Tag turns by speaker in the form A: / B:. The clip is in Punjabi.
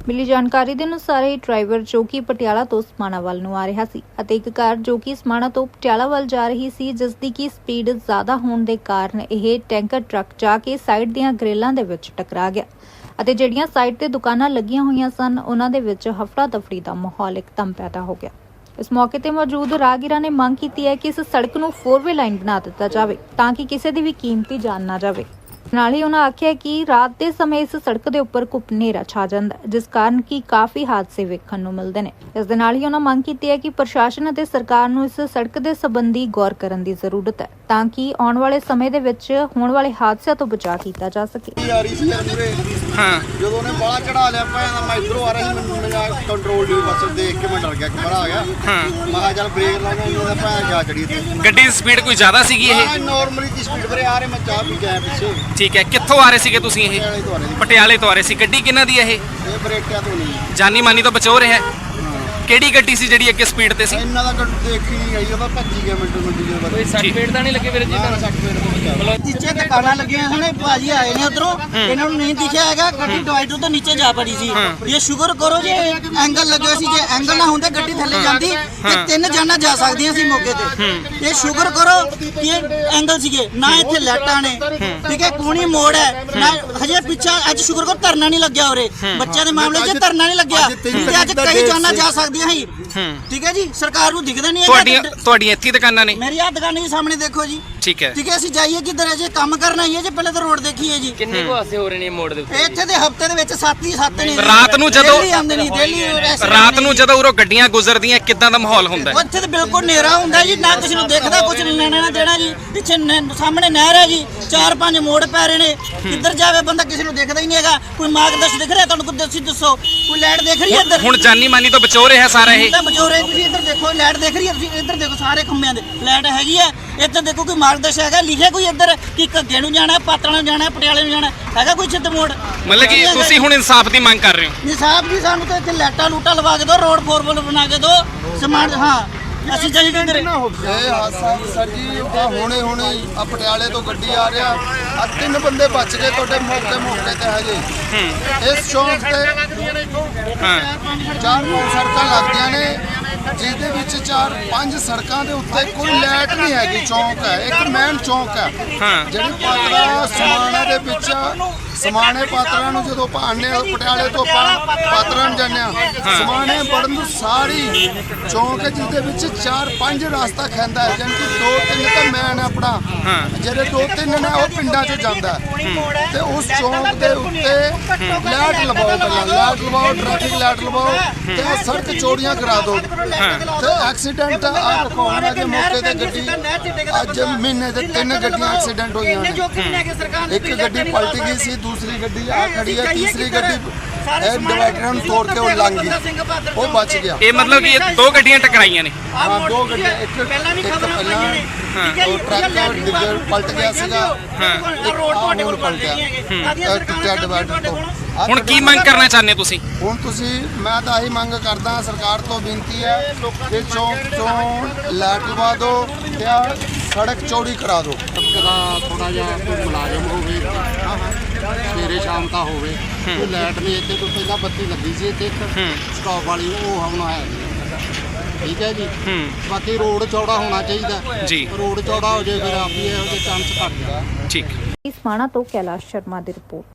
A: मिली जानकारी के अनुसार ਇਹ ਡਰਾਈਵਰ ਜੋ ਕਿ ਪਟਿਆਲਾ ਤੋਂ ਸਮਾਣਾ ਵੱਲ ਨੂੰ ਆ ਰਿਹਾ ਸੀ ਅਤੇ ਇੱਕ ਕਾਰ ਜੋ ਕਿ ਸਮਾਣਾ ਤੋਂ ਪਟਿਆਲਾ ਵੱਲ ਜਾ ਰਹੀ ਸੀ ਜਿਸ ਦੀ ਕੀ ਸਪੀਡ ਜ਼ਿਆਦਾ ਹੋਣ ਦੇ ਕਾਰਨ ਇਹ ਟੈਂਕਰ ਟਰੱਕ ਜਾ ਕੇ ਸਾਈਡ ਦੀਆਂ ਗ੍ਰਿਲਾਂ ਦੇ ਵਿੱਚ ਟਕਰਾ ਗਿਆ ਅਤੇ ਜਿਹੜੀਆਂ ਸਾਈਡ ਤੇ ਦੁਕਾਨਾਂ ਲੱਗੀਆਂ ਹੋਈਆਂ ਸਨ ਉਹਨਾਂ ਦੇ ਵਿੱਚ ਹਫੜਾ ਦਫੜੀ ਦਾ ਮਾਹੌਲ ਇੱਕਦਮ ਪੈਦਾ ਹੋ ਗਿਆ। इस मौके पर मौजूद राहगीरां ने मांग की है कि इस सड़क नूं 4-वे लाइन बना दिता जाए ताकि किसी की भी कीमती जान ना जाए। नाल ही उन्होंने आख्या कि रात के समय इस सड़क के उपर घुप नेरा छा जांदा है जिस कारण कि काफ़ी हादसे वेखण नूं मिलदे ने। इस दे नाल ही उन्होंने मांग की है कि प्रशासन अते सरकार नूं इस सड़क के संबंधी गौर करन दी जरूरत है ताकि आने वाले समय दे विच होण वाले हादसिਆਂ ਤੋਂ बचा किया जा सके।
B: ਜਦੋਂ ਨੇ ਬਾਲਾ ਚੜਾ ਲਿਆ ਭਾਂ ਮੈਂ ਇਧਰੋਂ ਆ ਰਹੀ ਮੈਨੂੰ ਮੇਰਾ ਕੰਟਰੋਲ ਨਹੀਂ ਬਸ ਦੇਖ ਕੇ ਮੈਂ ਡਰ ਗਿਆ ਕਿ ਬੜਾ ਆ ਗਿਆ। ਮੈਂ ਕਿਹਾ ਚੱਲ ਬ੍ਰੇਕ ਲਾ ਕੇ ਉਹਦਾ ਭਾਂ ਜਾ ਚੜੀ ਤੇ
C: ਗੱਡੀ ਦੀ ਸਪੀਡ ਕੋਈ ਜ਼ਿਆਦਾ ਸੀਗੀ ਇਹ
B: ਨਾਰਮਲੀ ਦੀ ਸਪੀਡ ਵੀਰੇ ਆ ਰਹੇ ਮੈਂ ਚਾਹ ਪੀ ਕੇ ਆਇਆ ਪਿੱਛੇ।
C: ਠੀਕ ਹੈ, ਕਿੱਥੋਂ ਆ ਰਹੇ ਸੀਗੇ ਤੁਸੀਂ? ਇਹ ਪਟਿਆਲੇ ਤੋਂ ਆ ਰਹੇ ਸੀ। ਗੱਡੀ ਕਿਹਨਾਂ ਦੀ ਹੈ ਇਹ?
B: ਇਹ ਬ੍ਰੇਕਾਂ ਤੋਂ ਨਹੀਂ
C: ਜਾਨੀ ਮਾਨੀ ਤੋਂ ਬਚੋ ਰਿਹਾ। ਕਿਹੜੀ ਗੱਡੀ ਸੀ ਜਿਹੜੀ ਅੱਗੇ ਸਪੀਡ ਤੇ ਸੀ?
B: ਇਹਨਾਂ ਦਾ ਗੱਡੀ ਦੇਖੀ ਨਹੀਂ ਗਈ ਉਹਦਾ ਭੱਜੀ ਗਿਆ ਮਿੰਟੋ ਮਿੰਟ ਦੇ ਬਾਅਦ।
C: ਕੋਈ 60 ਸਪੀਡ ਤਾਂ ਨਹੀਂ ਲੱਗੇ ਵੀਰ ਜੀ?
B: 60 ਸਪੀਡ ਤੋਂ ਬਚਾ
D: ਨੀਚੇ ਦੁਕਾਨਾਂ ਲੱਗੀਆਂ ਹਨ ਭਾਜੀ ਆਏ ਨੇ ਉਧਰੋਂ ਇਹਨਾਂ ਨੂੰ ਨਹੀਂ ਦਿਖਿਆ ਹੈਗਾ ਗੱਡੀ ਡਿਵਾਈਡਰ ਤੋਂ ਨੀਚੇ ਜਾ ਪੜੀ ਸੀ। ਇਹ ਸ਼ੁਕਰ ਕਰੋ ਜੇ ਐਂਗਲ ਲੱਗਿਆ ਸੀ, ਜੇ ਐਂਗਲ ਨਾ ਹੁੰਦੇ ਗੱਡੀ ਥੱਲੇ ਜਾਂਦੀ ਤੇ 3 ਜਾਨਾਂ ਜਾ ਸਕਦੀਆਂ ਸੀ ਮੌਕੇ ਤੇ। ਇਹ ਸ਼ੁਕਰ ਕਰੋ ਕਿ ਇਹ ਐਂਗਲ ਸੀਗੇ ਨਾ ਇੱਥੇ ਲਾਈਟਾਂ ਨੇ, ਠੀਕ ਹੈ, ਕੋਣੀ ਮੋੜ ਹੈ ਨਾ ਹਜੇ ਪਿੱਛਾ। ਅੱਜ ਸ਼ੁਕਰ ਕਰੋ ਧਰਨਾ ਨਹੀਂ ਲੱਗਿਆ ਉਰੇ, ਬੱਚਿਆਂ ਦੇ ਮਾਮਲੇ 'ਚ ਧਰਨਾ ਨਹੀਂ ਲੱਗਿਆ ਤੇ ਅੱਜ ਕਈ ਜਾਨਾਂ ਜਾ ਸਕਦੀਆਂ ਸੀ। ਠੀਕ ਹੈ ਜੀ, ਸਰਕਾਰ ਨੂੰ ਦਿਖਦਾ ਨਹੀਂ ਹੈ।
C: ਤੁਹਾਡੀਆਂ ਇੱਥੇ ਦੁਕਾਨਾਂ ਨੇ?
D: ਮੇਰੀ ਆ ਦੁਕਾਨ ਜੀ ਸਾਹਮਣੇ ਦੇਖੋ ਜੀ।
C: ਠੀਕ ਹੈ,
D: ਠੀਕ ਹੈ, ਅਸੀਂ ਜਾਈਏ ਕਿੱਧਰ ਹੈ? ਜੇ ਕੰਮ ਕਰਨਾ ਹੀ ਹੈ ਜੇ ਪਹਿਲੇ ਤਾਂ ਰੋਡ ਦੇਖੀਏ ਜੀ।
C: ਕਿੰਨੇ ਕੋ ਹਾਸੇ ਹੋ ਰਹੇ ਨੇ ਮੋੜ ਦੇ ਉੱਤੇ?
D: ਇੱਥੇ ਦੇ ਹਫਤੇ ਦੇ ਵਿੱਚ 7 ਹੀ 7 ਨੇ।
C: ਰਾਤ ਨੂੰ ਜਦੋਂ
D: ਰਾਤ
C: ਨੂੰ ਜਦੋਂ ਉਰੋਂ ਗੱਡੀਆਂ ਗੁਜ਼ਰਦੀਆਂ ਕਿੱਦਾਂ ਦਾ ਮਾਹੌਲ ਹੁੰਦਾ ਹੈ?
D: ਉੱਥੇ ਤੇ ਬਿਲਕੁਲ ਹਨੇਰਾ ਹੁੰਦਾ ਜੀ, ਨਾ ਕਿਸੇ ਨੂੰ ਦੇਖਦਾ, ਕੁਝ ਨਹੀਂ ਲੈਣਾ ਨਾ ਦੇਣਾ ਜੀ। ਪਿੱਛੇ ਸਾਹਮਣੇ ਨਹਿਰ ਹੈ ਜੀ, 4-5 ਮੋੜ ਪੈ ਰਹੇ ਨੇ, ਕਿੱਧਰ ਜਾਵੇ ਬੰਦਾ ਕਿਸੇ ਨੂੰ ਦੇਖਦਾ ਹੀ ਨਹੀਂ ਹੈਗਾ। ਕੋਈ ਮਾਰਗਦਰਸ਼ਨ ਦਿਖ ਰਿਹਾ ਤੁਹਾਨੂੰ? ਕੋਈ ਦੱਸੋ, ਕੋਈ ਲਾਈਟ ਦੇਖ ਰਹੀ ਹੈ ਇੱਧਰ?
C: ਹੁਣ ਜਾਨੀ ਮਾਨੀ ਤੋਂ ਬਚੋ ਰਿਹਾ ਸਾਰਾ ਇਹ?
D: ਬਚੋ ਰਹੇ ਤੁਸੀਂ ਇੱਧਰ ਦੇਖੋ, ਲਾਈਟ ਦੇਖ ਰਹੀ ਹੈ ਤੁਸੀਂ? ਇੱਧਰ ਦੇਖੋ ਸਾਰੇ ਖੰਭਿਆਂ ਦੇ ਲਾਈਟ ਹੈਗੀ ਹੈ। ਇੱਧਰ ਦੇਖੋ ਕੋਈ ਮਾਰਗਦਰਸ਼ਨ ਹੈਗਾ, ਲਿਖਿਆ ਕੋਈ ਇੱਧਰ ਕਿ ਘੱਗੇ ਨੂੰ ਜਾਣਾ, ਪਾਤੜਾਂ ਨੂੰ ਜਾਣਾ, ਪਟਿਆਲੇ ਨੂੰ ਜਾਣਾ ਹੈਗਾ ਕੋਈ ਸਿੱਧ ਮੋੜ?
C: ਮਤਲਬ ਕਿ ਤੁਸੀਂ ਹੁਣ ਇਨਸਾਫ ਦੀ ਮੰਗ ਕਰ ਰਹੇ ਹੋ?
D: ਇਨਸਾਫ ਜੀ, ਸਾਨੂੰ ਤਾਂ ਇੱਥੇ ਲਾਈਟਾਂ ਲੂਟਾਂ ਲਵਾ ਕੇ ਦਿਓ, ਰੋਡ 4-4 ਬਣਾ ਕੇ ਦਿਓ, ਸਮਾਨ। ਹਾਂ ਅਸੀਂ ਚਾਹੀਦੇ ਨੇ
B: ਇਹ ਹਾਦਸਾ ਸਰ ਜੀ ਹੁਣੇ ਆ ਪਟਿਆਲੇ ਤੋਂ ਗੱਡੀ ਆ ਰਿਹਾ ਆ 3 ਬੰਦੇ ਬਚ ਗਏ ਤੁਹਾਡੇ ਮੌਕੇ ਤੇ ਹਜੇ। ਇਸ ਚੌਂਕ ਤੇ 4-5 ਸੜਕਾਂ ਲੱਗਦੀਆਂ ਨੇ ਜਿਹਦੇ ਵਿੱਚ 4-5 ਸੜਕਾਂ ਦੇ ਉੱਤੇ ਕੋਈ ਲਾਈਟ ਨਹੀਂ ਹੈਗੀ। ਚੌਂਕ ਹੈ ਇੱਕ ਮੇਨ ਚੌਂਕ ਹੈ ਜਿਹੜੀ ਪਾਤੜਾ ਸਮਾਣਾ ਦੇ ਵਿੱਚ ਸਮਾਣੇ ਪਾਤੜਾ ਨੂੰ ਜਦੋਂ ਪਾਣੇ ਪਟਿਆਲੇ ਤੋਂ ਪਾਤੜਾ ਨੂੰ ਜਾਂਦੇ ਆ ਸਮਾਣੇ ਵੜਨ ਨੂੰ ਸਾਰੀ ਚੌਂਕ ਹੈ ਜਿਹਦੇ ਵਿੱਚ 4-5 ਰਸਤਾ ਖੈਂਦਾ ਹੈ ਜਾਨੀ ਕਿ 2-3 ਤਾਂ ਮੇਨ ਆਪਣਾ ਜਿਹੜੇ 2-3 ਨੇ ਉਹ ਪਿੰਡਾਂ 'ਚ ਜਾਂਦਾ ਤੇ ਉਸ ਚੌਂਕ ਦੇ ਉੱਤੇ ਲਾਈਟ ਲਵਾਓ, ਪਹਿਲਾਂ ਲਾਈਟ ਲਵਾਓ, ਟ੍ਰੈਫਿਕ ਲਾਈਟ ਲਵਾਓ ਤੇ ਆ ਸੜਕ ਚੌੜੀਆਂ ਕਰਾ ਦਿਓ ਤੇ ਐਕਸੀਡੈਂਟ ਆ ਪਕਾਉਣਾ ਦੇ ਮੌਕੇ ਤੇ ਗੱਡੀ ਅੱਜ ਮਹੀਨੇ ਦੇ 3 ਗੱਡੀਆਂ ਐਕਸੀਡੈਂਟ ਹੋਈਆਂ ਨੇ। ਇੱਕ ਗੱਡੀ ਪਲਟ ਗਈ ਸੀ, ਦੂਸਰੀ ਗੱਡੀ ਆ ਖੜੀ ਹੈ, ਤੀਸਰੀ ਗੱਡੀ ਇਹ ਡਿਵਾਈਡਰ ਨੂੰ ਤੋੜ ਕੇ ਉਹ ਲੰਘ ਗਈ, ਉਹ ਬਚ ਗਿਆ।
C: ਇਹ ਮਤਲਬ ਕਿ 2 ਗੱਡੀਆਂ ਟਕਰਾਈਆਂ ਨੇ?
B: ਹਾਂ 2 ਗੱਡੀਆਂ, ਇੱਕ ਪਹਿਲਾਂ ਉਹ ਟਰੱਕ ਪਲਟ ਗਿਆ ਸੀਗਾ, ਰੋਡ ਤੁਹਾਡੇ ਕੋਲ ਪਲਟ ਗਿਆ ਟੁੱਟਿਆ ਡਿਵਾਈਡਰ ਤੋਂ।
C: ਹੁਣ ਕੀ ਮੰਗ ਕਰਨਾ ਚਾਹੁੰਦੇ ਤੁਸੀਂ? ਹੁਣ
B: ਮੈਂ ਤਾਂ ਇਹੀ ਮੰਗ ਕਰਦਾ ਸਰਕਾਰ ਤੋਂ ਬੇਨਤੀ ਹੈ ਕਿ ਚੌਂਕ ਤੋਂ ਲਾਈਟ ਲਵਾ ਦਿਓ ਤੇ ਆ ਸੜਕ ਚੌੜੀ ਕਰਾ ਦਿਓ।
E: ਥੋੜਾ ਜਿਹਾ ਕੋਈ ਮੁਲਾਜ਼ਮ ਹੋਵੇ ਸਵੇਰੇ ਸ਼ਾਮ ਦਾ ਹੋਵੇ, ਕੋਈ ਲਾਈਟ ਨਹੀਂ ਇੱਥੇ ਤੋਂ ਪਹਿਲਾਂ ਬੱਤੀ ਲੱਗੀ ਸੀ ਇੱਥੇ ਸਟਾਪ ਵਾਲੀ, ਉਹ ਹੁਣ ਹੈ ਨਹੀਂ। ਠੀਕ ਹੈ ਜੀ, ਬਾਕੀ ਰੋਡ ਚੌੜਾ ਹੋਣਾ ਚਾਹੀਦਾ
C: ਜੀ।
E: ਰੋਡ ਚੌੜਾ ਹੋ ਜਾਏ ਫਿਰ ਆਪੀ ਇਹੋ ਜਿਹੇ ਚਾਂਸ ਘੱਟ ਜਾਣ।
C: ਠੀਕ।
A: ਸਮਾਣਾ ਤੋਂ ਕੈਲਾਸ਼ ਸ਼ਰਮਾ ਦੀ ਰਿਪੋਰਟ।